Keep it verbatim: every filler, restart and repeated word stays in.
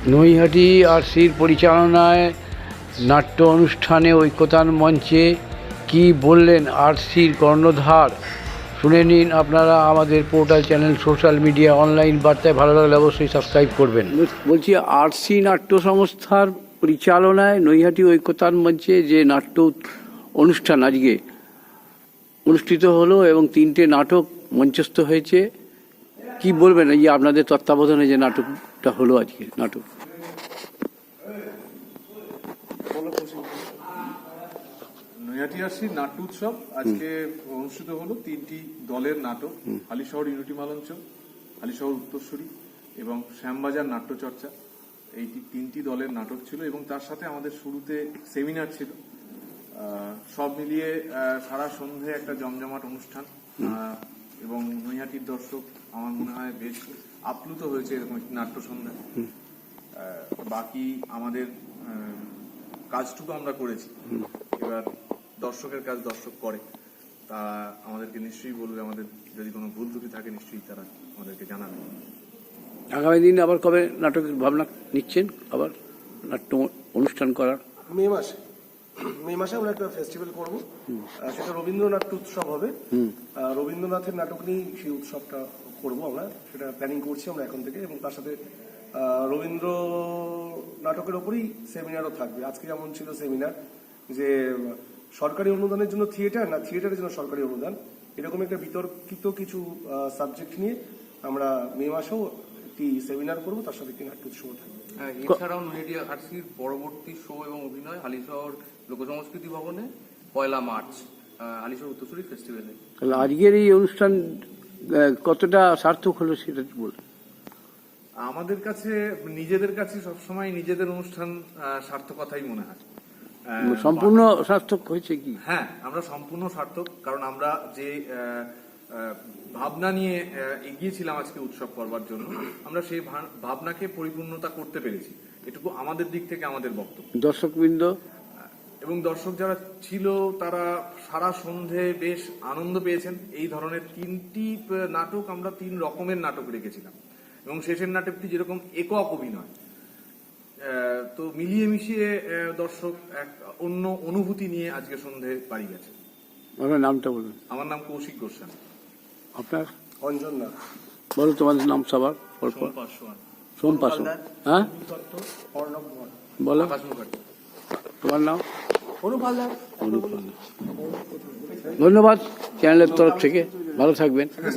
নৈহাটি আরসির পরিচালনায় নাট্য অনুষ্ঠানে ঐক্যতান মঞ্চে কি বললেন আরসির কর্ণধার, শুনে নিন আপনারা আমাদের portal channel social media online বার্তায়। ভালো লাগলে অবশ্যই সাবস্ক্রাইব করবেন। বলছি, আরসি নাট্য সংস্থার পরিচালনায় নৈহাটি ঐক্যতান মঞ্চে যে নাট্য অনুষ্ঠান আজকে অনুষ্ঠিত হলো এবং তিনটে নাটক মঞ্চস্থ হয়েছে, কি বলবেন এই যে আপনাদের তত্ত্বাবধানে যে নাটকটা হলো আজকে নাটক? নৈহাটি আরসির নাট্য উৎসব আজকে অনুষ্ঠিত হলো তিনটি দলের নাটক, হালিশহর ইউনিটি মালঞ্চ, হালিশহর উত্তরসূরি এবং শ্যামবাজার নাট্যচর্চা। এই তিনটি দলের নাটক ছিল এবং তার সাথে আমাদের শুরুতে সেমিনার ছিল। সব মিলিয়ে সারা সন্ধে একটা জমজমাট অনুষ্ঠান এবং নৈহাটির দর্শক আমার মনে হয় বেশ আপ্লুত হয়েছে এরকম একটি নাট্য সন্ধ্যা। বাকি আমাদের কাজটুকু আমরা করেছি, এবার দর্শকের কাজ দর্শক করে, তা আমাদেরকে নিশ্চয়ই বলবে। আমাদের যদি কোনো ভুল ত্রুটি থাকে নিশ্চয়ই তারা আমাদেরকে জানাবে। আগামী দিন আবার কবে নাটকের ভাবনা নিচ্ছেন আবার নাট্য অনুষ্ঠান করার? মে মাসে মে মাসে আমরা একটা ফেস্টিভ্যাল করবো, সেটা রবীন্দ্রনাথ উৎসব হবে। রবীন্দ্রনাথের নাটক নিয়ে সেই উৎসবটা করবো আমরা, সেটা প্ল্যানিং করছি আমরা এখন থেকে। এবং তার সাথে রবীন্দ্র নাটকের ওপরেই সেমিনারও থাকবে। আজকে যেমন ছিল সেমিনার যে সরকারি অনুদানের জন্য থিয়েটার না থিয়েটারের জন্য সরকারি অনুদান, এরকম একটা বিতর্কিত কিছু সাবজেক্ট নিয়ে আমরা মে মাসেও একটি সেমিনার করবো, তার সাথে একটি নাট্য উৎসব থাকবে। এছাড়াও নৈহাটি আরসির পরবর্তী শো এবং অভিনয় হালিশহর লোকসংস্কৃতি ভবনে পয়লা মার্চ হালিশহর উত্তরসূরি ফেস্টিভ্যালে। তাহলে আজকের এই অনুষ্ঠান কতটা সার্থক হলো সেটা বলুন। আমাদের কাছে নিজেদের কাছে সবসময় নিজেদের অনুষ্ঠান সার্থকতাই মনে হয়। সম্পূর্ণ সার্থক হয়েছে কি? হ্যাঁ, আমরা সম্পূর্ণ সার্থক, কারণ আমরা যে ভাবনা নিয়ে এগিয়েছিলাম আজকে উৎসব করবার জন্য, আমরা সেই ভাবনাকে পরিপূর্ণতা করতে পেরেছি। এটুকু আমাদের দিক থেকে আমাদের বক্তব্য। দর্শকবৃন্দ এবং দর্শক যারা ছিল তারা সারা সন্ধে বেশ আনন্দ পেয়েছেন। এই ধরনের তিনটি নাটক আমরা তিন রকমের নাটক রেখেছিলাম এবং শেষের নাটকটি যেরকম একক অভিনয়, তো মিলিয়ে মিশিয়ে দর্শক এক অন্য অনুভূতি নিয়ে আজকে সন্ধে বাড়ি গেছে। আপনার নামটা বলুন। আমার নাম কৌশিক গোস্বামী। আপনার? অঞ্জন নাথ। বলো তোমাদের নাম সবার। সোম পাসওয়ান। হ্যাঁ বলো তোমার নাম? ধন্যবাদ চ্যানেলের তরফ থেকে, ভালো থাকবেন।